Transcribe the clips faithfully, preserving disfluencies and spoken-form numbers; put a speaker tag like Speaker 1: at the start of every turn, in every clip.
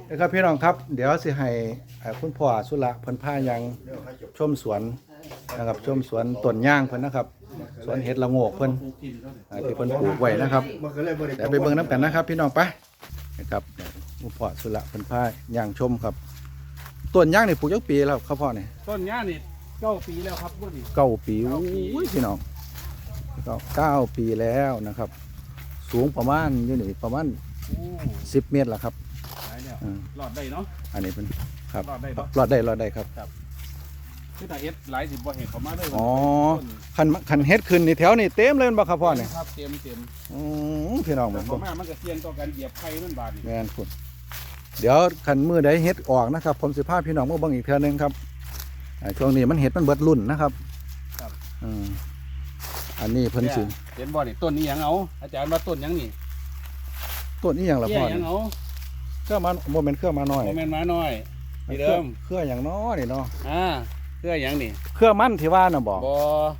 Speaker 1: นะครับพี่น้องครับเดี๋ยวสิให้คุณพ่อสุระเพิ่นพายังชมสวนนะครับชมสวนต้นย่างเพิ่นนะครับสวนเห็ดละโงกเพิ่นที่เพิ่นปลูกไว้นะครับเดี๋ยวไปเบิ่งน้ำกันนะครับพี่น้องไปนะครับคุณพ่อสุระเพิ่นพาย่างชมครับต้นย่างนี่ปลูกจักปีแล้วครับพ่อนี่
Speaker 2: ต้นย่างนี่เก้าปีแล้วครับบ่นี่
Speaker 1: เก้าปีอุ้ยพี่น้องเก้าปีแล้วนะครับสูงประมาณอยู่นี่ประมาณสิบเมตรละครับ
Speaker 2: รอดได้เนาะ
Speaker 1: อันนี้เป็นครับ
Speaker 2: รอดได้
Speaker 1: รอดได้รอดได้ครับ
Speaker 2: คือแต่เฮ็ดหลายสิบบ่เห็นเขามาเลย
Speaker 1: อ๋อคันคันเฮ็ดขึ้นนี่แถวนี่เต็มเลยบ่ครับพ่อเนี่ย
Speaker 2: ครับเต็มเต็ม
Speaker 1: อือพี่น้องมัน
Speaker 2: บ่มามันก็เสี่ยงต่อการเหยียบไข่มันบาดนี่
Speaker 1: แม่นคุณเดี๋ยวคันมื้อใดเฮ็ดออกนะครับผมสิพาพี่น้องมาเบิ่งอีกเทื่อนึงครับช่วงนี้มันเฮ็ดมันเบิดรุ่นนะครับ
Speaker 2: ครับ
Speaker 1: อืมอันนี้เพิ่นสิ
Speaker 2: เห็นบ่นี่ต้นนี้หยังเอาอาจารย์ว่าต้นหยังนี่
Speaker 1: ต้นนี้หยังล่ะพ่อ
Speaker 2: หยังเอา
Speaker 1: เครือมาโมเมนต์เครือมาน้อย
Speaker 2: โมเมนต์มาน้อยที่เดิม
Speaker 1: เครืออย่างน้อนี่เนาะ
Speaker 2: อ่าเครืออย่างนี่
Speaker 1: เครือมันที่ว่าน่ะบอก
Speaker 2: บ่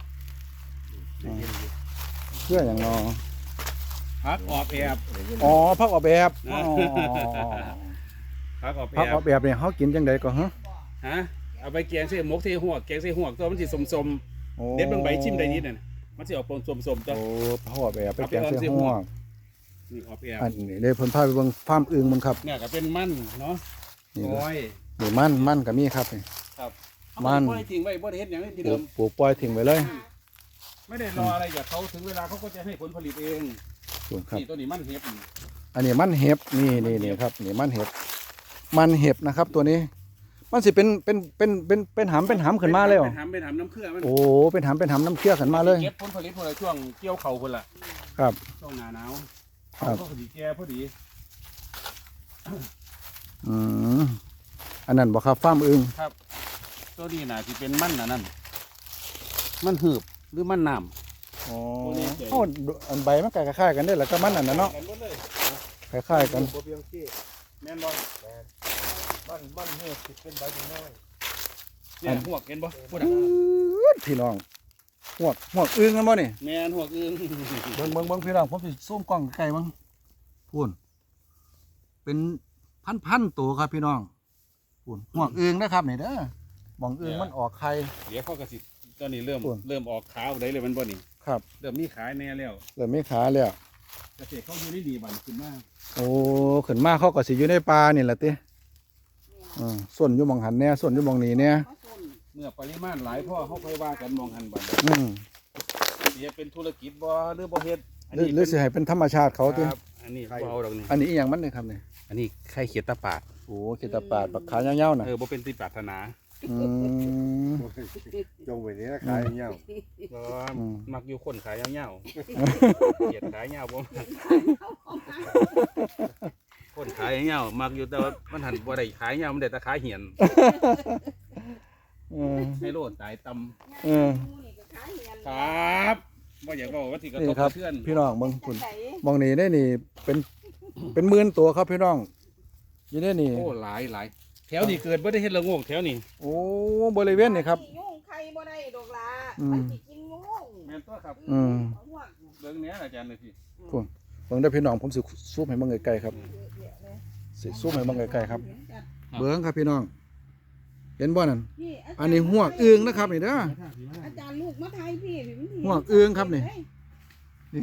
Speaker 1: เครืออย่างน้อ
Speaker 2: พักออกแบบ
Speaker 1: อ๋อพักออกแบบอ๋อ
Speaker 2: พักออกแบบ
Speaker 1: พักออกแบบเนี่ยเขากินจังไดก็ฮะ
Speaker 2: ฮะเอาไปแกงใส่หมกใส่หัวแกงใส่หัวตัวมันสิสมๆเด็ดเบิ่งใบชิมได้นิดนั่นมันสิออกปนสมๆจ้ะ
Speaker 1: โอ้พักออกแบบไปแกงใส่หัว
Speaker 2: นี่ออกแบบ
Speaker 1: อันนี้เลยเพิ่นพาไปเบิ่งฟาร์มอึ่งมันครับ
Speaker 2: เนี่ยก็เป็นมันเนาะโอ้ย
Speaker 1: นี่มันมันก็มีครับนี่
Speaker 2: ครับมันปล่อยทิ้งไว้บ่ได้เฮ็ดหยังที่เดิม
Speaker 1: ปลูกปล่อยทิ้งไว้เลย
Speaker 2: ไม่ได้รออะไรจากเขาถึงเวลาเขาก็จะให้ผลผลิตเองนี่ตัวนี้มันเห็บ
Speaker 1: อันนี้มันเห็บนี่นี่นี่ครับนี่มันเห็บมันเห็บนะครับตัวนี้มันสิเป็นเป็นเป็นเป็นเป็นหำเป็นหำขึ้นมาเลย
Speaker 2: เป็นหำเป็นหำน้ำเครือมัน
Speaker 1: โอ้เป็นหำเป็นหำน้ำเครือขึ้นมาเลย
Speaker 2: เก็บผลผลิตพอดีช่วงเกี่ยวเข่าคนละ
Speaker 1: ครับ
Speaker 2: ช่วงหน้าหนาว
Speaker 1: ครับ
Speaker 2: พอดีแก่พอดี
Speaker 1: อืมอันนั้นบอกครับฟาร์มอึ่ง
Speaker 2: ครับตัวนี้น่ะที่เป็นมันน่ะนั่นมันหืบหรือมันน้
Speaker 1: ำอ๋อเขาอันใบมันคล้ายๆกันได้แหละก็มันอันนั้นเนาะคล้ายๆกัน
Speaker 2: แม่นบอลบ้านบ้านเหือบเป็นใบน้อยเนี่ยหัวเห็นบ่พูดอ่ะ
Speaker 1: พี่น้องหัวหัวอึ่งกันบ่นี่
Speaker 2: แม่นหัวอึ่ง
Speaker 1: เบิ่งเบิ่งเบิ่งพี่น้องผมสิซูมกล้องไกลๆมั้งพูนเป็นพันๆตัวครับพี่น้องพูนหัวอึ่งนะครับนี่เด้อมองอึ่งมันออกไข่
Speaker 2: เดี๋ยวเขากระสิตอนนี้เริ่มเริ่มออกขาวได้เลยมันบ่นี่
Speaker 1: ครับ
Speaker 2: เริ่มมีขายแน่แล้ว
Speaker 1: เริ่มมีขาแล้ว
Speaker 2: เกษตรเขาอยู่ได้ดีบันขึ้นมาก
Speaker 1: โอ้ขึ้นมากเขาก็สิอยู่ในป่านี่แหละติอือส่วนอยู่มองหันแน่ส่วนอยู่มองนี้เนี่ย
Speaker 2: เมื่อปริมาณหลายพ่อเขาค่อยว่ากันมองหันบัน
Speaker 1: อืม
Speaker 2: สิเป็นธุรกิจบ่หรือบ่เฮ็ด
Speaker 1: หรือสิให้เป็นธรรมชาติเขาติ
Speaker 2: อันนี้บ่เอาดอกนี่
Speaker 1: อันนี้อีหยังมันนี่ครับนี่
Speaker 2: อันนี้ไข่เขียดตาปาด
Speaker 1: โอ้เขียดตาปาดบักขายาวๆน่ะ
Speaker 2: เออบ่เป็นที่ปรารถนา
Speaker 1: อืม
Speaker 3: จงไว้นี่ขายยาว
Speaker 2: ก็มักอยู่คนขายยาวๆเขียดขายยาวบ่คนขายยาวมักอยู่แต่ว่ามันหันบ่ได้ขายยาวมันได้แต่ขายเหียนให้โลดตายตำ
Speaker 1: เออ
Speaker 2: ครับบ่อยากบอกว่าที่กระทบกระเทือน
Speaker 1: พี่น้องเบิ่งคุณมองนี่ได้นี่เป็นเป็นหมื่นตัวครับพี่น้องอยู่ได้นี่
Speaker 2: โอ้หลายหลายแถวนี้เกิดบ่ได้เฮ็ดละโงกแถวนี้
Speaker 1: โอ้บริเวณนี่ครับ
Speaker 4: ยุ่งใครบ่ได้ดอกลามันสิกินยุ่ง
Speaker 2: แม่นตัวครับ
Speaker 1: อืม
Speaker 2: เบิ่งแหน่อาจารย์เลยพี่
Speaker 1: คุณเบิ่งได้พี่น้องผมสิซูมให้เบิ่งไกลๆครับสิซูมให้เบิ่งไกลๆครับเบิ่งครับพี่น้องเห็นบ่นั่นอันนี้หัวอึ่งนะครับนี่เด้อ
Speaker 4: อาจารย์ลูกมาไทยพี่
Speaker 1: หัวอึ่งครับนี่นี่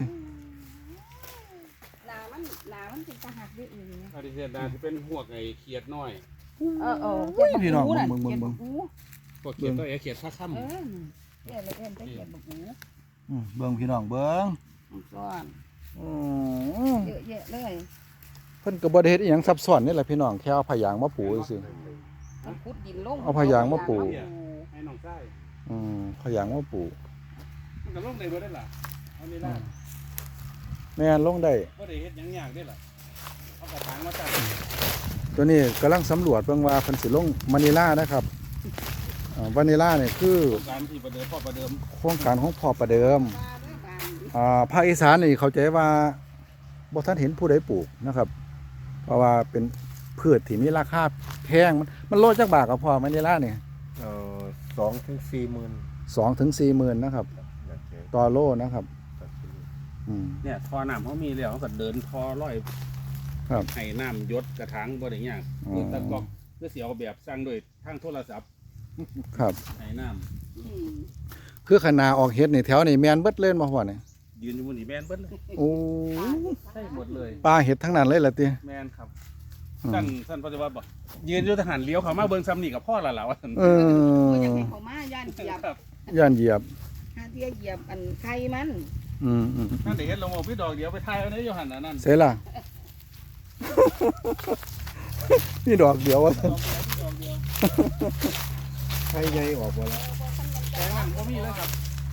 Speaker 4: ลามันลามันเป็นตาหักด้วยอื่น
Speaker 2: อันนี้เฮ็ดได้ที่เป็นหัวไอ้เขียดน้อย
Speaker 4: เออเออ
Speaker 1: พี่น้องเบิ่งเบิ่งเบิ่ง
Speaker 2: พวกเขียดตัวไอ้เขียดท่าค่ำ
Speaker 4: เออเขียดเลยเอ็นไปเขียดบักหู
Speaker 1: อืมเบิ่งพี่น้องเบิ่ง
Speaker 4: ซ้อน
Speaker 1: อื
Speaker 4: มเยอะแยะเลย
Speaker 1: เพิ่นก็บ่ได้เฮ็ดอีหยังซับซ้อนนี่แหละพี่น้องแค่เอาผายางมาปูซื่อเอาผายางมาปู
Speaker 2: ให้น้องใต้
Speaker 1: อืมผายางมาปู
Speaker 2: มันก็ลงได้บ่ได้ล่ะเอานี่ล่ะ
Speaker 1: แม่นลงได้
Speaker 2: บ่ได้เฮ็ดหยังยากได้ล่ะเอากระถางมาตั้ง
Speaker 1: ตัวนี้กำลังสำรวจเบิ่งว่าเพิ่นสิลงมะนิลานะครับอ่าวานิลาเนี่ยคือ
Speaker 2: โครงการที่ประเดิมพ่อประเดิม
Speaker 1: โครงการของพ่อประเดิมอ่าภาคอีสานนี่เข้าใจว่าบ่ทันเห็นผู้ใดปลูกนะครับเพราะว่าเป็นพืชที่มีราคาแพงมันมันโลจักบาทก็พอมะนิลาเนี่ย
Speaker 3: เอ่อสองถึงสี่หมื่น
Speaker 1: สองถึงสี่หมื่นนะครับต่อโลนะครับ
Speaker 2: เนี่ยท่อน้ำเขามีแล้วเขาก็เดินท่อร้อย
Speaker 1: ครับ
Speaker 2: ให้น้ำหยศกระถางบ่ได้ยาก
Speaker 1: อ๋อ
Speaker 2: คือตะกอกคือสิเอาแบบสร้างด้วยทางโทรศัพท์
Speaker 1: ครับ
Speaker 2: ให้น้ำ
Speaker 4: อืม
Speaker 1: คือขนาออกเฮ็ดนี่แถวนี่แม่นเบิดเล่นบ่พ่อนี่
Speaker 2: ยืนอยู่บนนี่แม่นเบิดเลย
Speaker 1: โอ้
Speaker 2: ใช่หมดเลย
Speaker 1: ปลาเฮ็ดทั้งนั้นเลยล่ะติ
Speaker 2: แม่นครับ
Speaker 1: อืม
Speaker 2: สั้นสั้นปัจจุบันบ่ยืนอยู่ทหารเลี้ยวเข้ามาเบิ่งซ้ำนี่กับพ่อและล่ะว่าซั่น
Speaker 1: เอ
Speaker 4: บ่อยาก
Speaker 1: อ
Speaker 4: ให้เขามาย่านเหยียบ
Speaker 2: ครับ
Speaker 1: ย่านเหยียบ
Speaker 4: หาเที่ยเหยียบอันไข่มัน
Speaker 1: อืมอืม
Speaker 2: นั่นได้เฮ็ดลงเอาพี่ดอกเดียวไปถ่ายเอาในอยู่หั่นน่ะนั่น
Speaker 1: เสร็จล่ะ นี่ดอกเดียวว่าซั่น
Speaker 2: ดอกเดียวพี่ดอกเดียว
Speaker 3: ให้ใหญ่ออกบ่ละ
Speaker 2: แต่นั่นบ่มีเลยครับ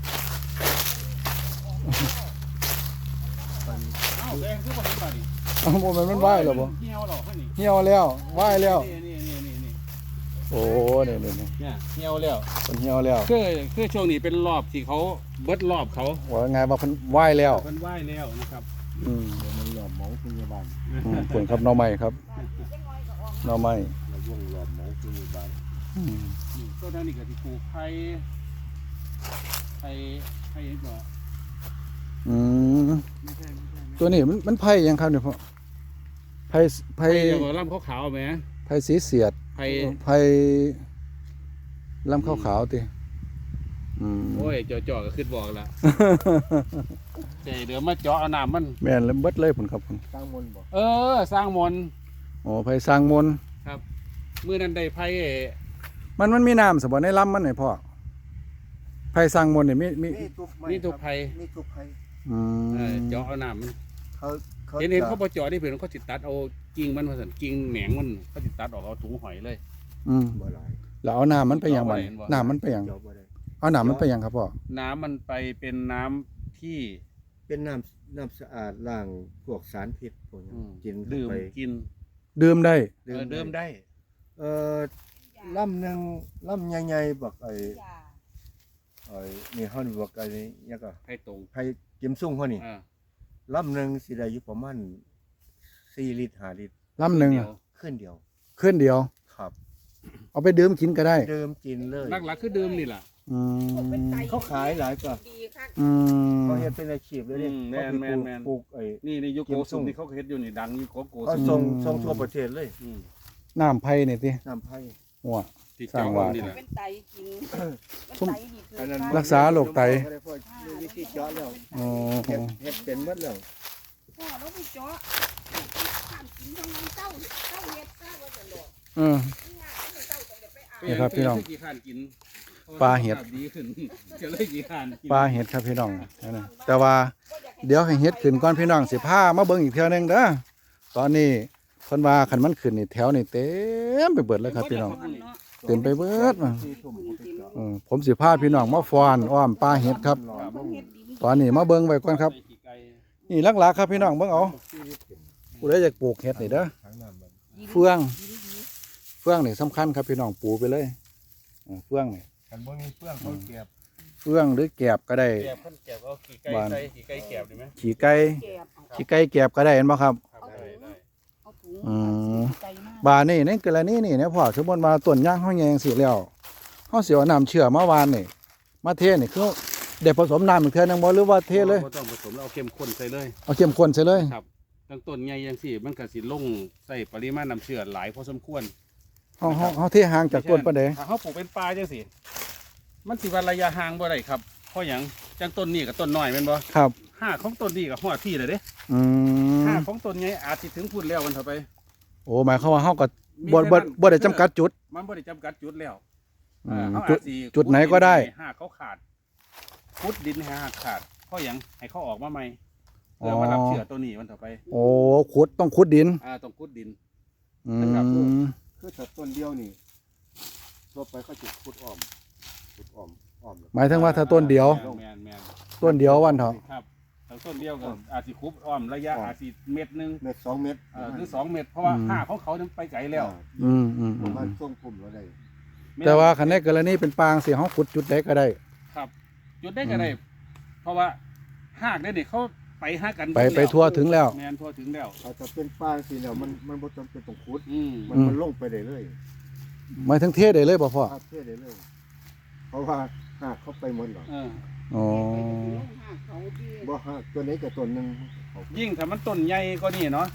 Speaker 2: เอ้าแดงคือบ่เห็นบ่นี่
Speaker 1: เอ้าบ่แม่นมันว่ายแล้วบ่
Speaker 2: เหี่ยวหรอคั่นนี่
Speaker 1: เหี่ยวแล้วว่ายแล้ว
Speaker 2: นี่นี่นี่นี่นี่
Speaker 1: โอ้นี่นี่นี่
Speaker 2: เนี่ยเหี่ยวแล้ว
Speaker 1: มันเหี่ยวแล้ว
Speaker 2: คือคือช่วงนี้เป็นรอบที่เขาเบิดรอบเขา
Speaker 1: ว่าไงว่าเพิ่นว่ายแล้ว
Speaker 2: เพิ่นไหว้แล้วนะครับ
Speaker 1: อืม
Speaker 3: เดี๋ยวมันหลอมหมองพยาบาล
Speaker 1: อืมผลครับหน่อไม้ครับหน่อไม้
Speaker 3: เราว่องหลอมหมองพยาบาล
Speaker 1: อืม
Speaker 2: นี่ต้นทางนี้ก็สิปลูกไผ่ไผ่ไผ่บ่
Speaker 1: อืม
Speaker 2: ไม่ใช่ไม่ใช่
Speaker 1: ตัวนี้มันมันไผ่ยังครับเนี่ยพ่อไผ่ไผ่
Speaker 2: ไผ่เดี๋ยวลำขาวๆไหม
Speaker 1: ไผ่สีเสียด
Speaker 2: ไผ่
Speaker 1: ไผ่ลำขาวๆติอืม
Speaker 2: โอ้ยจ่อๆก็ขึ้นบอกละเดี๋ยวเดี๋ยวมาเจาะเอาน้ำมัน
Speaker 1: แม่นแล้วเบิดเลยผลครับผม
Speaker 3: ตั้งมนต์บ่
Speaker 2: เออ สร้างมนต์
Speaker 1: โอ้ไผ่สร้างมนต์
Speaker 2: ครับมื้อนั้นได้ไผ่
Speaker 1: มันมันมีน้ำสบ่ในลำมันไหนพ่อไผ่สร้างมนต์นี่มีมี
Speaker 3: นี่ทุกไม้
Speaker 2: นี่ทุกไผ่
Speaker 3: นี่ทุกไผ่
Speaker 1: อื
Speaker 2: เออ
Speaker 1: ม
Speaker 2: เจาะเอาน้ำมัน
Speaker 3: เขาเขา
Speaker 2: เห็นเห็น
Speaker 3: จะ
Speaker 2: เขาบ่เจาะนี่เพิ่นเขาสิตัดเอากิ่งมันว่าซั่นกิ่งแหนงมันเขาสิตัดออกเอาถุงหอยเลย
Speaker 1: อืม
Speaker 3: บ่หลาย
Speaker 1: แล้วเอาน้ำมันไปหยังบัดนี้
Speaker 2: เห็นบ่
Speaker 1: น้ำมันไปหยัง
Speaker 3: เจาะบ่ได้
Speaker 1: เอาน้ำมันไปหยังครับพ่อ
Speaker 2: น้ำมันไปเป็นน้ำที่
Speaker 3: เป็นน้ำน้ำสะอาดล้างพวกสารพิษพวกนี้
Speaker 2: อืม
Speaker 3: กินเข้า
Speaker 2: ดื่ม
Speaker 3: ไป
Speaker 2: กิน
Speaker 1: ดื่มได้
Speaker 2: เออดื่มได้
Speaker 3: เอ่อลำหนึงลำใหญ่ๆบักไอ้ไอ้นี่เฮานี่บักไอ้นี่ยังก็
Speaker 2: ไผ่ตรง
Speaker 3: ไผกิมซุ่งเฮานี่
Speaker 2: อ่า
Speaker 3: ลำหนึงสิได้อยู่ประมาณสี่ลิตรห้าลิตร
Speaker 1: ลำหนึ่ง
Speaker 2: เดีย
Speaker 1: อะ
Speaker 2: ว
Speaker 3: ขึ้นเดียว
Speaker 1: ขึ้นเดียว
Speaker 3: ครับ
Speaker 1: เอาไปดื่มกินก็ได้
Speaker 3: เดิมกินเลย
Speaker 2: หลักๆคือดื่มนี่ล่ะ
Speaker 1: อืม
Speaker 3: เขาขายหลายก็
Speaker 4: ดีคัก
Speaker 1: อืม
Speaker 3: เขาเฮ็ดเป็นอาชีพเลยนี่
Speaker 2: อืมแม่นแม่นแม่น
Speaker 3: ปลูกไอ้
Speaker 2: นี่ในยุค
Speaker 3: กิ
Speaker 2: โก
Speaker 3: มซุ่
Speaker 2: สุม
Speaker 3: ง
Speaker 2: ที่เขาเฮ็ดอยู่นี่ดังอยู่โกโก
Speaker 3: เขา
Speaker 2: สุม
Speaker 3: ส่งส่งทั่วประเทศเลย
Speaker 2: อืม
Speaker 1: น้ำไผ่นี่ติ
Speaker 3: น้ำไผ่
Speaker 1: หัว
Speaker 2: ที่
Speaker 1: สร้า
Speaker 2: เจาะ
Speaker 1: งว่า
Speaker 2: นี่แหละ
Speaker 4: เป็นไตกินเป็นไตนี่คือ
Speaker 3: อันนั้น
Speaker 1: รักษาโรคไต
Speaker 3: บ่ด้พอมีวิธีเจาะแล้ว
Speaker 1: อ๋อ
Speaker 3: เฮ็ดเฮ็ดเป็นหมดแล้ว
Speaker 4: พ่อเราไปเจาะข้ามกินทั้งนั้นเจ้าเจ้าเฮ็ดซะว่าจะหลอก
Speaker 1: เออ
Speaker 4: นี่ยเจ้าต้องไปเอา
Speaker 1: นี่ครับพี่น้อง
Speaker 2: กี่ขานกิน
Speaker 1: ปลาเห็ด
Speaker 2: ดีขึ้นจะเลยกี่ขานกิน
Speaker 1: ปลาเห็ดครับพี่น้องนั่นน่ะแต่ว่าเดี๋ยวให้เห็ดขึ้นก่อนพี่น้องสิพามาเบิ่งอีกเทื่อหนึงเด้อตอนนี้เพิ่นว่าคันมันขึ้นนี่แถวนี่เต็มไปเบิดเลยครับพี่น้อง เต็มไปเบิดมา
Speaker 3: สี่ทุ่มผมไปเจาะ
Speaker 1: เออผมสิพาพี่น้องมาฟ้อนอ้อมปลาเห็ดครับ ตอนนี้มาเบิ่งไว้ก่อนครับ นี่หลักๆครับพี่น้องเบิ่งเอาผู้ใดอยากปลูกเห็ดนี่เด้อ
Speaker 3: ทั้งน้ำมัน
Speaker 1: เฟือง เฟืองนี่สำคัญครับพี่น้องปลูกไปเลยเออเฟืองนี่
Speaker 3: กันบ่มีเฟื่องเขาเก็บ
Speaker 1: เฟืองหรือแกบก็ได้
Speaker 2: แกบขั้นแกบเอาขี่ไก่
Speaker 1: บ้าน
Speaker 2: ใส่ขี่ไก่แกบดีไหม
Speaker 1: ขี้ไก่
Speaker 4: แก็บเอา
Speaker 1: ขี้ไก่แกบก็ได้เห็นบ่ครับ
Speaker 2: ได้ได้
Speaker 4: เอาถุง
Speaker 1: อืม
Speaker 4: ใส่มา
Speaker 1: บานี่ในกรณีนี่นะพ่อสมมุติว่าต้นย่างเฮาแยงสิแล้วเฮาสิเอาน้ำเชื่อมาวานนี่มาเทนี่คือได้ผสมน้ำอีกเทื่อนึงบ่หรือว่าเทเลย
Speaker 2: บ่ต้องผสมแล้วเอาเข้มข้นใส่เลย
Speaker 1: เอาเข้มข้นใส่เลย
Speaker 2: ครับตั้งต้นใหญ่ยังสิมันก็สิลงใส่ปริมาณน้ำเชื่อหลายพอสมควร
Speaker 1: เฮาเฮาเฮาเทห่างจากต้นปานใด
Speaker 2: ถ้าเขาปลูกเป็นปลาจังสิมันสิว่าระยะห่างบ่ได้ครับเพราะหยังจังต้นนี้กับต้นน้อยแม่นบ่
Speaker 1: ครับ
Speaker 2: ห้าของต้นนี้กับฮอดที่เลยเด้
Speaker 1: อืม
Speaker 2: ห้าของต้นใหญ่อาจสิถึงพุ่นแล้วมันเถอะไป
Speaker 1: โอ้หมายความว่าเฮาก็บ่บ่บ่ได้จำกัดจุด
Speaker 2: มันบ่ได้จำกัดจุดแล้ว
Speaker 1: อืม
Speaker 2: เอ่อเขา
Speaker 1: จุ
Speaker 2: อา
Speaker 1: ด
Speaker 2: จสิ
Speaker 1: จุดไหนก็ได้
Speaker 2: ห้าเขาขาดขุดดินให้ห้าขาดเพราะหยังให้เขาออกมาใหม่เพื่อมารับเชื้อตัวนี้มันเถอะไป
Speaker 1: โอ้ขุดต้องขุดดิน
Speaker 2: อ่าต้องขุดดิน
Speaker 1: อื
Speaker 2: นะครับ
Speaker 1: ม
Speaker 3: คือถ้าต้นเดียวนี่ทั่วไปเขาจะขุดอ้อมขุดอ้อมอ้อมแล้ว
Speaker 1: หมายถึงว่าถ้าต้นเดียว
Speaker 2: แม่นแม่น
Speaker 1: ต้นเดียววันเถอะ
Speaker 2: ครับถ้าต้นเดียวก็อาจสิคุบอ้อมระยะอาจสิเม็ดหนึง
Speaker 3: เม็ดสองเม็ด
Speaker 2: เอ่อคือสองเม็ดเพราะว่าห้าของเขานั้นไปไกลแล้ว
Speaker 1: อืมอืม
Speaker 3: ป
Speaker 1: อื
Speaker 3: ระ
Speaker 1: ม
Speaker 3: มาณช่วงพุ่มแล้วได้
Speaker 1: แต่ว่าคันในกรณีเป็นปางสิเฮาขุดจุดใดก็ได้
Speaker 2: ครับจุดได้ก็ได้เพราะว่าหากได้นี่เขาไปหากัน
Speaker 1: ไป
Speaker 2: เบิด
Speaker 1: ไป
Speaker 2: แล้ว
Speaker 1: ทั่วถึงแล้ว
Speaker 2: แม่นทั่วถึงแล้ว
Speaker 3: เอาถ้าเป็นปางสิแล้วมันมันบ่จำเป็นต้องขุด
Speaker 2: อืม
Speaker 3: มันมันลงไปได้เลย
Speaker 1: หมายถึงเทได้เลยบ่พ่อ
Speaker 3: ภาพเท่ได้เลย เพราะว่าหากเขาไปหมดหรอก
Speaker 2: เออ
Speaker 1: อ๋อ
Speaker 4: เขาที่
Speaker 3: บ่หากตัวไหนกับตัวหนึงเขา
Speaker 2: ยิ่งถ้ามันต้นใหญ่ก็นี่เนาะ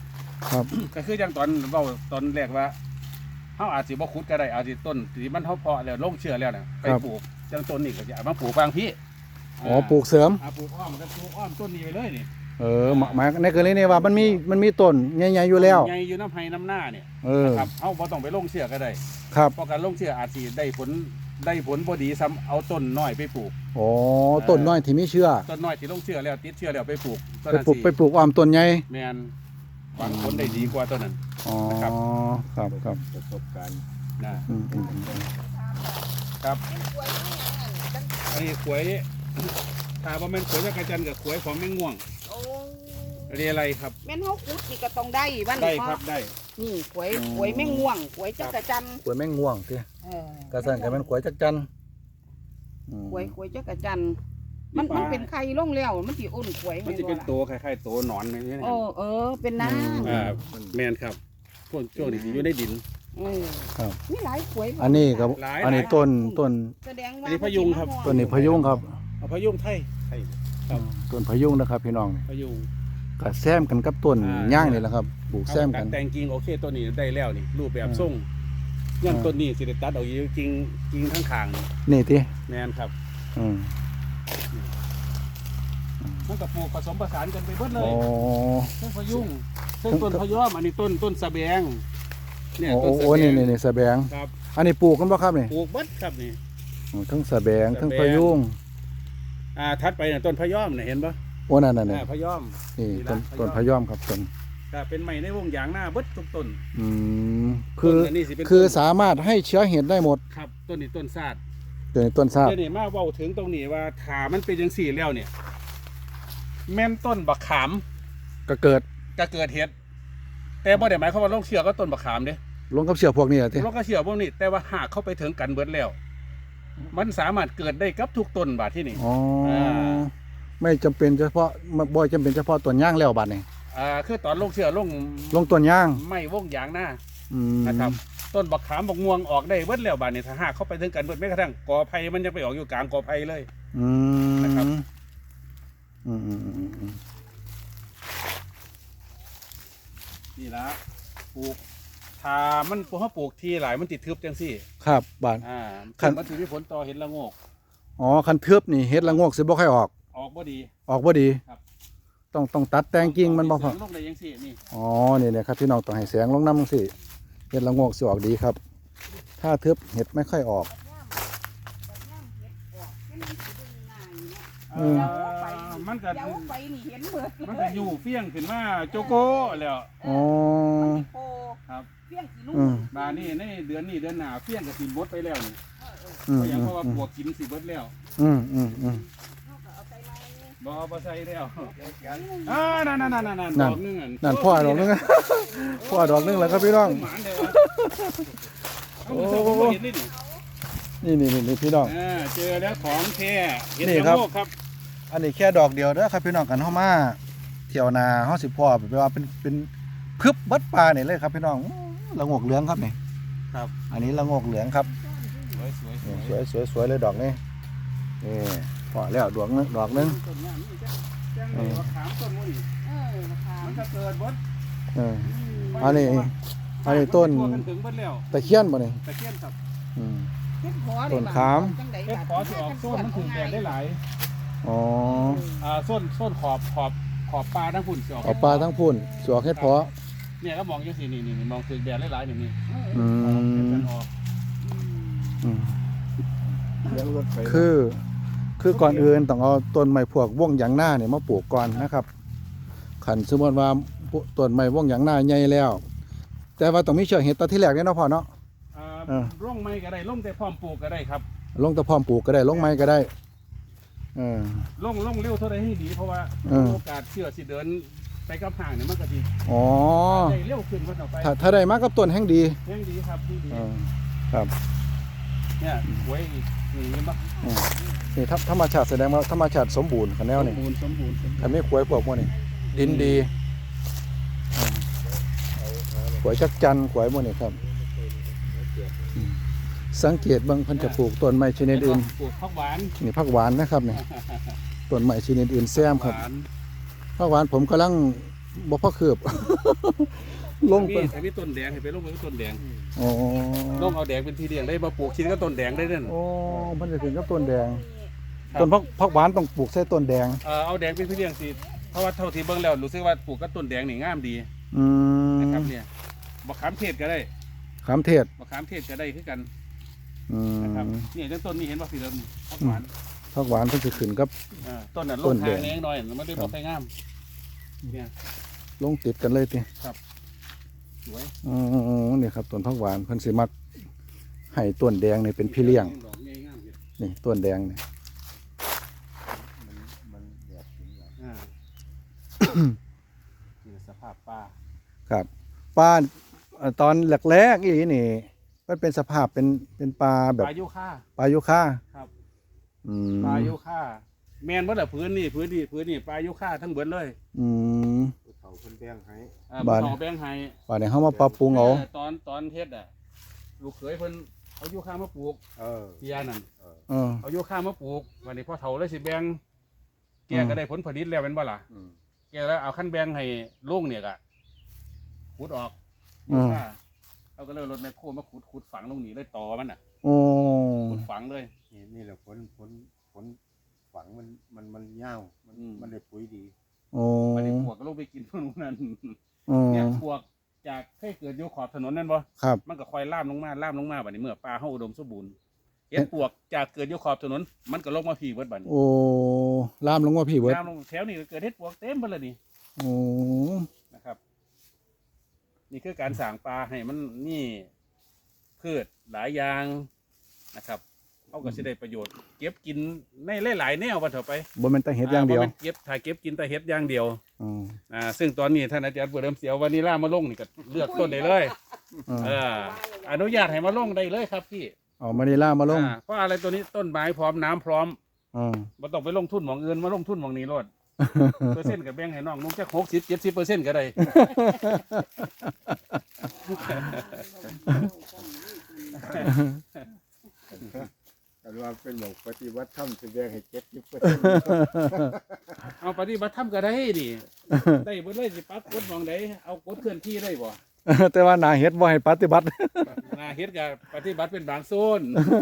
Speaker 1: ครับ
Speaker 2: ก็คืออย่างตอนเว้าตอนแรกว่าเฮาอาจสิบ่ขุดก็ได้อาจสิต้นที่มันเฮาเพาะแล้วลงเชื้อแล้วน่ะไปปลูกจังต้นนี้ก็จะเอามาปลูกบางพี่
Speaker 1: อ๋อปลูกเสริม
Speaker 2: อ่าปลูกอ้อมก็ปลูกอ้อมต้นนี้ไปเลยนี่
Speaker 1: เออหมายหมายในกรณีนี้ว่ามันมีมันมีต้นใหญ่ๆอยู่แล้ว
Speaker 2: ใหญ่อยู่น้ำไห้น้ำหน้าเนี่ย
Speaker 1: เออ
Speaker 2: ครับเฮาบ่ต้องไปลงเชื้อก็ได้
Speaker 1: ครับ
Speaker 2: เพราะการลงเชื้ออาจสิได้ผลได้ผลบ่ดีซ้ำเอาต้นน้อยไปปลูก
Speaker 1: อ๋อต้นน้อยที่มีเชื้อ
Speaker 2: ต้นน้อยที่ลงเชื้อแล้วติดเชื้อแล้วไปปลูกต้น
Speaker 1: ไป
Speaker 2: นั้น
Speaker 1: ปลูก
Speaker 2: สิ
Speaker 1: ไปปลูกอ้อมต้นใหญ่
Speaker 2: แม่นหวังผลได้ดีกว่าต้นนั้น
Speaker 1: อ๋อ
Speaker 2: นะครับ
Speaker 1: ครับครับ
Speaker 3: ประสบการณ์
Speaker 2: นะ
Speaker 1: อืมอืมอืม
Speaker 2: ครับ
Speaker 4: เป็นกล้วยนี่อันนั้น
Speaker 2: อันนี้ขวยถ้าบ่แม่นขวยจักรจันทร์กับขวยของแมงม่วง
Speaker 4: โอ้
Speaker 2: เรียอะไรครับ
Speaker 4: แม่นเฮาขุดนี่ก็ต้องได้บ้าน
Speaker 2: ได้
Speaker 4: นี้
Speaker 2: ครับได้
Speaker 4: นี่กล้วยกล้วยแมงม่วงกล้วยจักรจันทร์
Speaker 1: กล้วยแมงม่วงติ
Speaker 4: เออก
Speaker 1: ระสันกันมันกล้วยจักจันอืม
Speaker 4: กล้วยกล้วยจักรจันทร์มันมันเป็นไข่ลงแล้วมันสิอ้นกล้วย
Speaker 2: มันจะเป็นตัวคล้ายๆตัวหนอนแบบนี้นะ
Speaker 4: โอ้เออเป็นน้ำ
Speaker 2: อ่าแมนครับพวกช่วงนี้สิอยู่ในดิน
Speaker 4: เออ
Speaker 1: ครับ
Speaker 4: มีหลายกล้วย
Speaker 1: อันนี้กับ
Speaker 2: หลาย
Speaker 1: อันนี้ต้นต้น
Speaker 4: แสดงว่า
Speaker 2: อันนี้พยุงครับ
Speaker 1: ต้นนี้พะยุงครับ
Speaker 2: เอาพะยุงไทย ครับ
Speaker 1: ต้นพะยุงนะครับพี่น้องนี่
Speaker 2: พะยุง
Speaker 1: ก็แซมกันกับต้น
Speaker 2: อ่า
Speaker 1: ย่างนี่แหละครับปลูกแซม
Speaker 2: เอา
Speaker 1: กัน
Speaker 2: ตัดแต่งกิ่งโอเคตัวนี้ได้แล้วนี่รูปแบบ
Speaker 1: อ่า
Speaker 2: ทรงย่ำ
Speaker 1: อ่า
Speaker 2: ต้นนี้สิได้ตัดเอาอยู่กิ่งกิ่งข้างขางๆนี่
Speaker 1: นี่ติ
Speaker 2: แมนครับ
Speaker 1: อืม
Speaker 2: มันก็ปลูกผสมผสานกันไปเบิดเล
Speaker 1: อ๋
Speaker 2: ย
Speaker 1: อ
Speaker 2: ต้นพะยุงต้นต้นพะยอมอันนี้ต้นต้นสะแบงเนี่ย
Speaker 1: โอ้
Speaker 2: ต้นสะ
Speaker 1: โอ้
Speaker 2: แบ
Speaker 1: นี่
Speaker 2: ง
Speaker 1: นี่นี่สะแบง
Speaker 2: ครับ
Speaker 1: อันนี้ปลูกกันบ่ครับนี่
Speaker 2: ปลูกเบิดครับนี่
Speaker 1: อืมทั้งสะแบง
Speaker 2: สะแบง
Speaker 1: ทั้งพะยุง
Speaker 2: อ่าทัดไปเนี่ยต้นพะยอมเนี่ยเห็นปะ
Speaker 1: โอ้นั่นน่ะนี่
Speaker 2: อ่าพะยอม
Speaker 1: นี่
Speaker 2: นี่
Speaker 1: ต้น
Speaker 2: ละ
Speaker 1: ต้น
Speaker 2: พะ
Speaker 1: พะ
Speaker 2: ย
Speaker 1: ย
Speaker 2: อ
Speaker 1: อ
Speaker 2: ม
Speaker 1: มครับต้น
Speaker 2: ก็เป็นไม้ในวงยางหน้าเบิดทุกต้น
Speaker 1: อืมคือ
Speaker 2: ต้นอันนี้สิเป็น
Speaker 1: คือ
Speaker 2: ต้น
Speaker 1: สามารถให้เชื้อเห็ดได้หมด
Speaker 2: ครับต้นนี้ต้นซาด
Speaker 1: ตัวนี้ต้นซาบ
Speaker 2: เดี๋ยวนี้มาเว้าถึงตรงนี้ว่าถามันเป็นจังสี่แล้วเนี่ย แม่นต้นบักขาม
Speaker 1: ก็เกิด
Speaker 2: ก็เกิดเห็ดแต่บ่ได้หมายความว่าลงเชือก็ต้นบักขามเด้
Speaker 1: ลงกับเชื้อพวกนี้เหรอที่
Speaker 2: ลงก็เชือพวกนี้แต่ว่าหากเข้าไปถึงกันเบิดแล้ว มันสามารถเกิดได้กับทุกต้นบาดที่นี่
Speaker 1: อ๋อ
Speaker 2: อ่า
Speaker 1: ไม่จำเป็นเฉพาะบ่จำเป็นเฉพาะต้นย่างแล้วบัดนี้
Speaker 2: อ่าคือตอนลงเชือลง
Speaker 1: ลงต้นย่าง
Speaker 2: ไม่วงยางหน้า
Speaker 1: อืม
Speaker 2: นะครับ ต้นบักขามบักม่วงออกได้เบิดแล้วบาดนี้ถ้าหากเข้าไปถึงกันเบิดแม้กระทั่งกอไผ่มันยังไปออกอยู่กลางกอไผ่เลย
Speaker 1: อืม
Speaker 2: นะครับ
Speaker 1: อืมอืมอืมอืม
Speaker 2: นี่ละปลูกถ้ามันพวกเขาปลูกทีหลายมันติดทึบจังซี่
Speaker 1: ครับบาด
Speaker 2: อ่า
Speaker 1: คัน
Speaker 2: มันถือมีผลต่อเห็นละโงก
Speaker 1: อ๋อคันทึบนี่เฮ็ดละโงกสิบ่ค่อยออก
Speaker 2: ออกบ่ดี
Speaker 1: ออกบ่ดี
Speaker 2: ครับ
Speaker 1: ต้องต้องตัดแต่งกิ่งมันบ่พอ
Speaker 2: เสริลงได้ยังซี่นี่
Speaker 1: อ๋อนี่เนี่ยครับพี่น้องต้องให้แสงลงน้ำสิเห็ดละโงกสิออกดีครับ ถ้าทึบเห็ดไม่ค่อยออก อืม
Speaker 2: มันก็
Speaker 4: เดี๋ยวไปนี่เห็นเบิด
Speaker 2: มันก็อยู่เฟี้ยงขึ้นมาโจโก้แล้ว
Speaker 1: อ๋อ
Speaker 4: โป
Speaker 2: ครับ
Speaker 4: เพี้ยงสีนุ่
Speaker 1: อื
Speaker 4: ม
Speaker 1: ม
Speaker 2: บานี่ในเดือนนี้เดือนหน้าเฟี้ยงกับสิบดไปแล้วนี่
Speaker 1: อืม
Speaker 2: เพราะหยัง
Speaker 1: อืม
Speaker 2: เพราะว่าปวกกินสิบดแล้ว
Speaker 1: อืมอืมอืม
Speaker 2: บ่เอาบ่ใส่แล้วอ่านั่นนั่นนั่นนั่น
Speaker 1: นั่
Speaker 2: ด
Speaker 1: น
Speaker 2: อกหนึงอัน
Speaker 1: นั่นพ่อดอกนึง พ่อดอกนึงแล้วครับพี่น้อง
Speaker 2: หมานเด้อเอามือส่งผมบ่เห็นนี่นี่
Speaker 1: นี่นี่นี่นี่พี่น้อง
Speaker 2: อ่าเจอแล้วของแท้เห็น
Speaker 1: นี่
Speaker 2: แล้ว
Speaker 1: ครับ
Speaker 2: โลกครับ
Speaker 1: อันนี้แค่ดอกเดียวเด้อครับพี่น้องกันเฮามาเที่ยวนาเฮาสิพ่อแบบว่าเป็นเป็นพึบเบัดปลานี่เลยครับพี่น้องอื้อละโงกเหลืองครับนี่
Speaker 2: ครับ
Speaker 1: อันนี้ละโงกเหลืองครับ
Speaker 2: สวยสวยส
Speaker 1: นี่
Speaker 2: วย
Speaker 1: สวยสวยสวยเลยดอกนี้นี่พอแล้วดอกนึงดอกนึง
Speaker 2: ต้นนี้นี่จ้ะจ้างเลยว่าขามต้นนู้นนี่
Speaker 4: เออราคา
Speaker 2: มันก็เกิดบด
Speaker 1: เออ อันนี้ อันนี้ต้น
Speaker 2: มันถึงเบิดแล้ว
Speaker 1: ตะเคียนบ่นี่
Speaker 2: ตะเคียนครับ
Speaker 1: อืม
Speaker 4: เฮ็ดพอ
Speaker 1: ต้นขาม
Speaker 2: เฮ็ดขอสิออกส้นมันถึงแดดได้หลาย
Speaker 1: อ๋อ
Speaker 2: อ่าส้นส้นขอบขอบขอบปลาทั้งฝุ่นสิออก
Speaker 1: เอาปลาทั้งพุ่นสวกเฮ็ดเพาะ
Speaker 2: เนี่ยก็มองจังซี่นี่นี่นี่มองถึงแดดได้หลายนี่นี่
Speaker 1: อื
Speaker 2: ออกเฮ็ด
Speaker 1: ม
Speaker 2: กันออก
Speaker 1: อืม
Speaker 3: เลี้ยงรถไฟ
Speaker 1: คือ คือก่อนอื่นต้องเอาต้นไม้พวกว่องหยางหน้าเนี่ยมาปลูกก่อนนะครับขันสมมติว่าต้นไม้ว่องหยางหน้าใหญ่แล้ว แต่ว่าต้องมีเชื้อเห็ดตอนที่แรกเนี่ยเนาะพ่อเนาะ
Speaker 2: อ่า
Speaker 1: เออ
Speaker 2: ร่องไม้ก็ได้ร่องแต่พร้อมปลูกก็ได้ครับ
Speaker 1: ลงตะพร้อมปลูกก็ได้ลงไม้ก็ได้เออ
Speaker 2: ร่องร่องเร็วเท่าใดให้ดีเพราะว่า
Speaker 1: เออ
Speaker 2: โอกาสเชื้อสิเดินไปกับห่างเนี่ยมันก็ดี
Speaker 1: อ๋อ
Speaker 2: ได้เร็วขึ้นว่าต่อไป
Speaker 1: ถ้าถ้าได้มากับต้นแห่งดี
Speaker 2: ยังดีครับดีดี
Speaker 1: เออครับ
Speaker 2: เนี่ยไว้อีกนี่เห็นปะ
Speaker 1: อืมนี่ธรรมชาติแสดงว่าธรรมชาติสมบูรณ์คะแนว
Speaker 2: สม
Speaker 1: นี่
Speaker 2: บูรณ์สมบูรณ์สมบูรณ์
Speaker 1: คันไม่ขวยพวกพวกนี้ดินดีอืมขวยจักจันทร์ขวยพวกนี้ครับอืมสังเกตบางเพันจะปลูกต้นไม้ชนิดอื่น
Speaker 2: ปลูกผักหวาน
Speaker 1: นี่ผักหวานนะครับนี่ต้นไม้ชนิดอื่นแซมครับ
Speaker 2: หวาน
Speaker 1: ผักหวานผมกำลังบ่พอคืบ ลง
Speaker 2: มี
Speaker 1: ไป
Speaker 2: แต่มีต้นแดงให้ไปลงไปต้นแดง
Speaker 1: อ๋อ
Speaker 2: ลงเอาแดงเป็นที่เลี้ยงได้มาปลูกชิ้นก็ต้นแดงได้นั่น
Speaker 1: โอ้มันจะถึงกับต้นแดง
Speaker 2: ครับ
Speaker 1: ต้นพักพักหวานต้องปลูกใส่ต้นแดง
Speaker 2: เออเอาแดงเป็นที่เลี้ยงสิเพราะว่าเท่าที่เบิ่งแล้วรู้สึกว่าปลูกก็ต้นแดงนี่งามดี
Speaker 1: อืม
Speaker 2: นะครับเนี่ยมะขามเทศก็ได้
Speaker 1: ขามเทศ
Speaker 2: มะขามเทศก็ได้คือกัน
Speaker 1: อื
Speaker 2: นะครับ
Speaker 1: ม
Speaker 2: เนี่ยจังต้นนี้เห็นว่าสีเริ่มพักหวาน
Speaker 1: พักหวานเพิ่นสิขึ้นกับ
Speaker 2: เออต้นนั้นล
Speaker 1: ต้
Speaker 2: ง
Speaker 1: นแด
Speaker 2: ทาง งแนงหน่อยมันได้บ่ค่อยงามเนี่ย
Speaker 1: ลงติดกันเลยติ
Speaker 2: สวย
Speaker 1: อ๋อนี่ครับต้นพักหวานเพิ่นสิมักให้ต้นแดงนี่เป็นพี่เลี้ยง
Speaker 2: ดอกงามๆเนี่ย
Speaker 1: นี่ต้นแดงนี่
Speaker 3: มันมันแบบถึงหลัง
Speaker 2: อ่า นี่สภาพป่า
Speaker 1: ครับป่าเอ่อตอนแรกๆอีนี่มันเป็นสภาพเป็นเป็นป่าแบบ
Speaker 2: ปลายุค่า
Speaker 1: ป่ายุคา
Speaker 2: ครับ
Speaker 1: อืม
Speaker 2: ปลายุค่าแมนว่าแต่พื้นนี่พื้นนี่พื้นนี่ปลายุค่าทั้งเบิดเลย
Speaker 1: อืม
Speaker 3: เขาเพิ่นแบ่งให้
Speaker 2: อ่า
Speaker 1: บ้าน
Speaker 2: เขาแบ่งให้
Speaker 1: ป่านี้เฮามาปรับปรุงเอา
Speaker 2: เออตอนตอนเฮ็ดอ่ะลูกเขยเพิ่นเอายุค่ามาปลูก
Speaker 3: เออ
Speaker 2: ที่ยานั่น
Speaker 3: เออ
Speaker 1: เออ
Speaker 2: เอายุค่ามาปลูกวันนี้พ่อเฒ่าเลยสิแบ่งแก
Speaker 1: อืม
Speaker 2: ก็ได้ผลผลิตแล้วเป็นบ่ล่ะ
Speaker 3: อืม
Speaker 2: แกแล้วเอาขั้นแบ่งให้ลุงเนี่ยก็ขุดออก
Speaker 1: อืม
Speaker 2: ยุค่าเอาก็เลยรถแมคโครมาขุดขุดฝังลงนี่เลยต่อมันอ่ะ
Speaker 1: โอ้
Speaker 2: ขุดฝังเลย
Speaker 3: นี่นี่แหละผลผลผลฝังมันมันมันยาวมัน
Speaker 2: อืม
Speaker 3: มันได้ปุ๋ยดี
Speaker 1: โอ้
Speaker 2: วันนี้พวกก็ลงไปกินพวกนั้น
Speaker 1: โอ้
Speaker 2: เนี่ยพวกจากเคยเกิดอยู่ขอบถนนนั่นบ่
Speaker 1: ครับ
Speaker 2: มันก็ค่อยล่ามลงมาล่ามลงมาบัดนี้เมื่อปลาเฮาอุดมสมบูรณ์เห็ดปวกจากเกิดอยู่ขอบถนน มันก็ลงมาพี่เบิดบัดนี้
Speaker 1: โอ้ลามลงว่าพี่เบิด
Speaker 2: ล่ามลงแถวนี้ก็เกิดเห็ดปวกเต็มเบิดเลยนี่
Speaker 1: โอ้
Speaker 2: นะครับ นี่คือการสร้างปลาให้มันนี่พืชหลายอย่างนะครับเขาก็สิได้ประโยชน์ เก็บกินในหลายๆแนวว่าเถอะไป
Speaker 1: บ่แม่นแต่เฮ็ดอย่างเดียว
Speaker 2: บ่แม่นเก็บถ้าเก็บกินแต่เห็ดอย่างเดียว
Speaker 1: อืม
Speaker 2: อ่าซึ่งตอนนี้ท่านอาจารย์เปิดเริ่มเสียววานิลามาลงนี่ก็เลือกต้นได้เลย
Speaker 1: อืม
Speaker 2: เอออนุญาตให้มาลงได้เลยครับพี่
Speaker 1: เอามานิลามาลง
Speaker 2: อ่าเพราะอะไรตัวนี้ต้นไม้พร้อมน้ำพร้อม
Speaker 1: อืม
Speaker 2: บ่ต้องไปลงทุนหมองอื่นมาลงทุนหมองนี้รด เปอร์เซ็นต์กับแบ่งให้น้องนุ่งจักหกสิบเจ็ดสิบเปอร์เซ็นต์ก็ได้
Speaker 3: แต่ว่าเป็นหมองปฏิวัติธรรมจะแบ่งให้เจ็ดสิบเปอร์เซ็นต์
Speaker 2: เอาปฏิบัติธรรมก็ได้ดิได้เบ่เลยสิปักกดหมองใดเอากดเคลื่อนที่ได้บ่
Speaker 1: แต่ว่าหนาเฮ็ดบ่ให้ปฏิบัติ
Speaker 2: นาเฮ็ดกับปฏิบัติเป็นบางโซน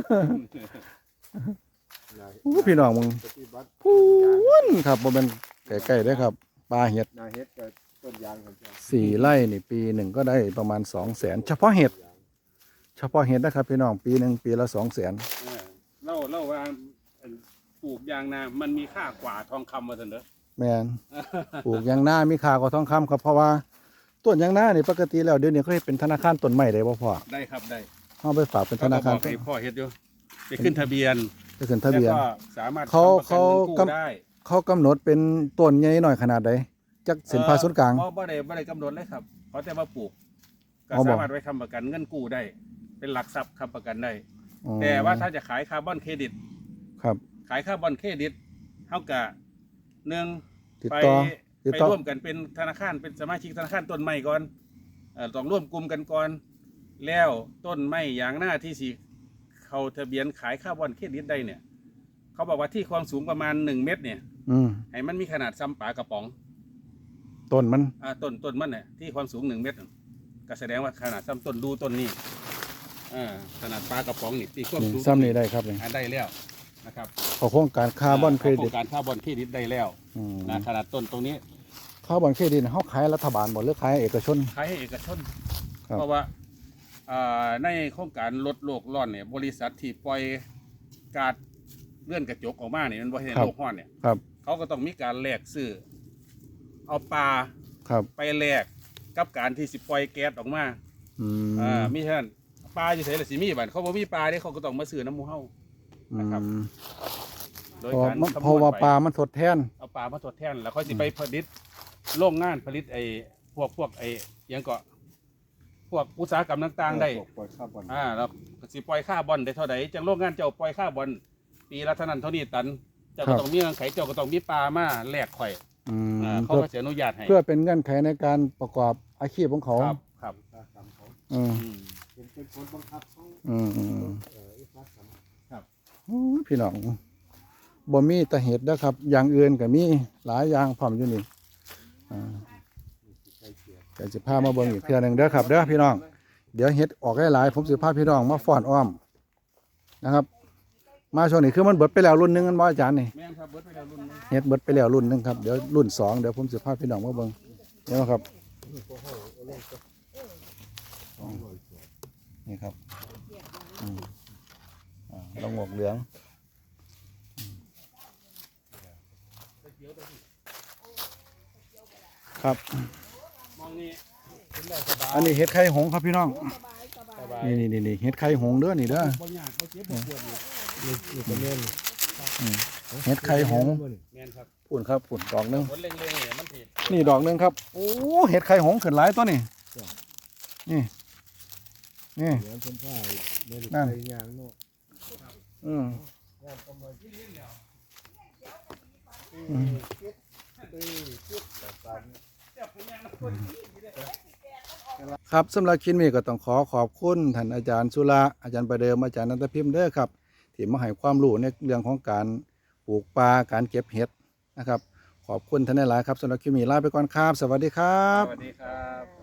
Speaker 1: อู้พี่น้องมึง
Speaker 3: ปฏิบัติ
Speaker 1: พูนครับบ่แม่นใกล้ๆเด้อครับปลาเห็ด
Speaker 3: นาเฮ็ดกับต้นยางของเจ้า
Speaker 1: สี่ไร่นี่ปีหนึ่งก็ได้ประมาณสองแสนเฉพาะเห็ด เฉพาะเห็ดนะครับพี่น้องปีหนึ่งปีละสองแสน
Speaker 2: เออเล่าเล่าว่าอันปลูกยางนามันมีค่ากว่าทองคำว่าซั่นเด้อ
Speaker 1: แม่นปลูกยางนามีค่ากว่าทองคำครับเพราะว่าต้นยางนานี่ปกติแล้วเดี๋ยวนี้เขาเฮ็ดเป็นธนาคารต้นไม้ได้บ่พ่อ
Speaker 2: ได้ครับได้
Speaker 1: เฮาไปฝากเป็นธนาคาร
Speaker 2: เขก็บอกให้พ่อเฮ็ดอยู่ไปขึ้นทะเบียน
Speaker 1: ไปขึ้นทะเบียน
Speaker 2: แล้วก็สามารถ
Speaker 1: เขา
Speaker 2: ทำประกันเงินกู้
Speaker 1: เขา
Speaker 2: ได้
Speaker 1: เขากำหนดเป็นต้นใหญ่หน่อยขนาดใดจักเส้นผ่าศูนย์กลาง
Speaker 2: บ่บ่ได้บ่ได้กำหนดเลยครับเขาแต่ว่าปลูกก็
Speaker 1: อ๋อบอก
Speaker 2: สามารถไว้ค้ำประกันเงินกู้ได้ เป็นหลักทรัพย์ค้ำประกันได้
Speaker 1: อ๋อ
Speaker 2: แต่ว่าถ้าจะขายคาร์บอนเครดิต
Speaker 1: ครับ
Speaker 2: ขายคาร์บอนเครดิตเท่ากับหนึ่ง
Speaker 1: ติด
Speaker 2: ไป
Speaker 1: ต่อติด
Speaker 2: ไป
Speaker 1: ต่อ
Speaker 2: ร่วมกันเป็นธนาคารเป็นสมาชิกธนาคารต้นไม้ก่อนเอ่อต้องร่วมกลุ่มกันก่อน แล้วต้นไม้อย่างหน้าที่สิเขาทะเบียนขายคาร์บอนเครดิตได้เนี่ย เขาบอกว่าที่ความสูงประมาณหนึ่งเมตรเนี่ย
Speaker 1: อืม
Speaker 2: ให้มันมีขนาดซ้ำปลากระป๋อง
Speaker 1: ต้นมัน
Speaker 2: อ่าต้นต้นมันเนี่ยที่ความสูงหนึ่งเมตรน่ะก็แสดงว่าขนาดซ้ำต้นดูต้นนี้อ่าขนาดปลากระป๋องนี่ที่ความ
Speaker 1: นี่
Speaker 2: สูง
Speaker 1: ซ้ำนี่ได้ครับนี่
Speaker 2: อ่าได้แล้วนะครับ
Speaker 1: เขาโครงการคาร์บอนเครดิต
Speaker 2: โครงการคาร์บอนเครดิตได้แล้ว
Speaker 1: อืม
Speaker 2: นะขนาดต้นตรงนี้
Speaker 1: คาร์บอนเครดิตเขาขายรัฐบาลบ่หรือขายเอกชน
Speaker 2: ขายให้เอกชน
Speaker 1: ครับ
Speaker 2: เพราะว่าอ่าในโครงการลดโลกร้อนเนี่ยบริษัทที่ปล่อยก๊าซเลื่อนกระจกออกมาเนี่ยมันบ่ให้โลกร้อนเนี่ย
Speaker 1: ครับ
Speaker 2: เขาก็ต้องมีการแลกซื้อเอาปลา
Speaker 1: ครับ
Speaker 2: ไปแลกกับการที่สิปล่อยแก๊สออกมา
Speaker 1: อืม
Speaker 2: อ่ามีเท่านั้นปลาอยู่ไสล่ะสิมีบัดเขาบ่มีปลาเด้เขาก็ต้องมาซื้อน้ำหมูเฮา นะครับ
Speaker 1: อืม
Speaker 2: โดย
Speaker 1: เพราะ
Speaker 2: การ
Speaker 1: มัน
Speaker 2: คำนวณ
Speaker 1: เพราะว่า
Speaker 2: ไป
Speaker 1: ปลามันทดแทน
Speaker 2: เอาปลามาทดแทนแล้วค่อยสิไปผลิตโรงงานผลิตไอ้พวกพวกไอ้หยังก็พวกอุตสาหกรรมต่างๆได้
Speaker 3: พวกปล่อยคาร์บอน
Speaker 2: อ่าแล้วสิปล่อยค่าบอนได้เท่าใดจังโรงงานเจ้าปล่อยค่าบอนปีละเท่านั้นเท่านี้ตันเจ้า
Speaker 1: ครั
Speaker 2: ก็
Speaker 1: บ
Speaker 2: ต้องมีเงื่อนไขเจ้าก็ต้องมีปลามาแลกข่อย
Speaker 1: อืม
Speaker 2: อ่าเขา
Speaker 1: เพื่อ
Speaker 2: ก็จะอนุญาตให้
Speaker 1: เพื่อเป็นเงื่อนไขในการประกอบอาชีพของเขา
Speaker 2: ครับครับ
Speaker 3: อุตสาหกรรมเขา
Speaker 1: อืม
Speaker 2: อืม
Speaker 3: เป็นเป็นผลบังคับของ
Speaker 1: อืมอืม
Speaker 3: เอ่ออุตสาหกรรม
Speaker 1: โอ้ยพี่น้องบ่มีแต่เห็ดนะครับ อย่างอื่นก็มีหลายอย่างพร้อมอยู่นี่อ่าก็สิพามาเบิ่งอีกเทื่อหนึงเด้อครับเด้อพี่น้องเดี๋ยวเฮ็ดออกหลายๆผมสิพาพี่น้องมาฟ้อนอ้อมนะครับมาช่วงนี้คือมันเบิดไปแล้วรุ่นหนึงกันบ่อาจารย์นี่
Speaker 2: แม่นครับเบิดไปแล้วรุ่นนึง
Speaker 1: เฮ็ดเบิดไปแล้วรุ่นหนึงครับเดี๋ยวรุ่นสองเดี๋ยวผมสิพาพี่น้องมาเบิ่งเดี๋ยวครับนี่ครับอืมอ่าละงกเหลืองครับ
Speaker 2: มองนี่
Speaker 1: อันนี้เห็ดไข่หงส์ครับพี่น้อง
Speaker 4: สบายสบาย
Speaker 1: นี่นี่นี่เห็ดไข่หงส์เด้อนี่เด้อ
Speaker 2: บ่ยากบ่เจ็บบ่ปวดนี่
Speaker 3: นี่นี่ก็แม่น
Speaker 1: อืมเห็ดไข่หงส์
Speaker 2: แม่นครับ
Speaker 1: ปุ่นครับปุ่นดอกหนึง
Speaker 2: ผลเล็งๆเนี่ยมันสิ
Speaker 1: นี่ดอกหนึงครับโอ้เห็ดไข่หงส์ขึ้นหลายตัวนี่นี่นี่
Speaker 3: เดี๋ยวเพิ่นพาแม่ลูก
Speaker 1: นั่น
Speaker 3: ไปย่างเนาะ
Speaker 1: อืมอืมครับสำหรับคลิปนี้ก็ต้องขอขอบคุณท่านอาจารย์สุระอาจารย์ประเดิมอาจารย์นันทพิมพ์เด้อครับที่มาให้ความรู้ในเรื่องของการปลูกปลาการเก็บเห็ดนะครับ ขอบคุณท่านหลายๆครับสำหรับคลิปนี้ลาไปก่อนครับ สวัสดีครับ
Speaker 2: สวัสดีครับ